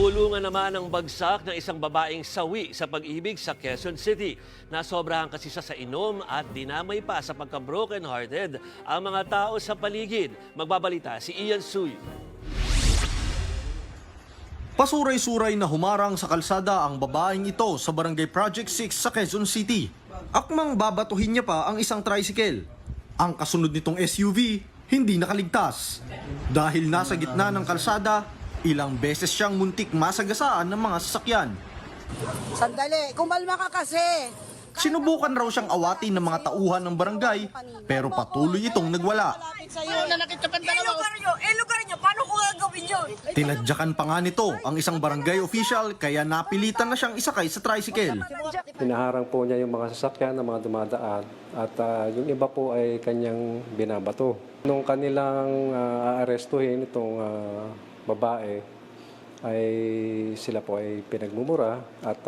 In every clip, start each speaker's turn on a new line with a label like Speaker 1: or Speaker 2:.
Speaker 1: Napulungan naman ang bagsak ng isang babaeng sawi sa pag-ibig sa Quezon City. Nasobrahan kasi siya sa inom at dinamay pa sa pagka-broken hearted ang mga tao sa paligid. Magbabalita si Ian Suy.
Speaker 2: Pasuray-suray na humarang sa kalsada ang babaeng ito sa Barangay Project 6 sa Quezon City. Akmang babatuhin niya pa ang isang tricycle. Ang kasunod nitong SUV hindi nakaligtas. Dahil nasa gitna ng kalsada, ilang beses siyang muntik masagasaan ng mga sasakyan.
Speaker 3: Sandali, kumalma ka kasi.
Speaker 2: Sinubukan raw siyang awatin ng mga tauhan ng barangay, pero patuloy itong nagwala.
Speaker 3: Lugar nyo, paano ko gagawin yun?
Speaker 2: Tinadyakan pa nga nito ang isang barangay official kaya napilitan na siyang isakay sa tricycle.
Speaker 4: Hinaharang po niya yung mga sasakyan ng mga dumadaan at yung iba po ay kanyang binabato. Nung kanilang aarestuhin itong babae, ay sila po ay pinagmumura at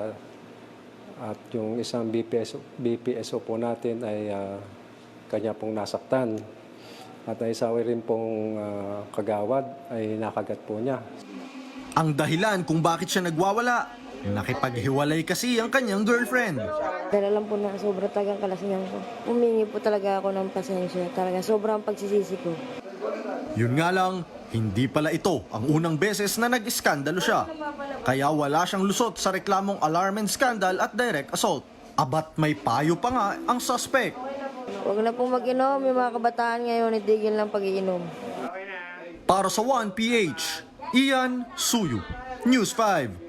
Speaker 4: yung isang BPSO po natin ay kanya pong nasaktan. At ay sawi rin pong kagawad ay nakagat po niya.
Speaker 2: Ang dahilan kung bakit siya nagwawala, nakipaghiwalay kasi ang kanyang girlfriend.
Speaker 5: Dahil alam po na sobrang tagang kalasingan ko. Humingi po talaga ako ng pasensya. Talaga sobrang pagsisisi ko.
Speaker 2: Yun nga lang, hindi pala ito ang unang beses na nag-iskandalo siya. Kaya wala siyang lusot sa reklamong alarm and scandal at direct assault. Abat may payo pa nga ang suspect.
Speaker 5: Huwag na pong mag-inom. Yung mga kabataan ngayon, itigil lang pag-iinom.
Speaker 2: Para sa 1PH, Ian Suyu, News 5.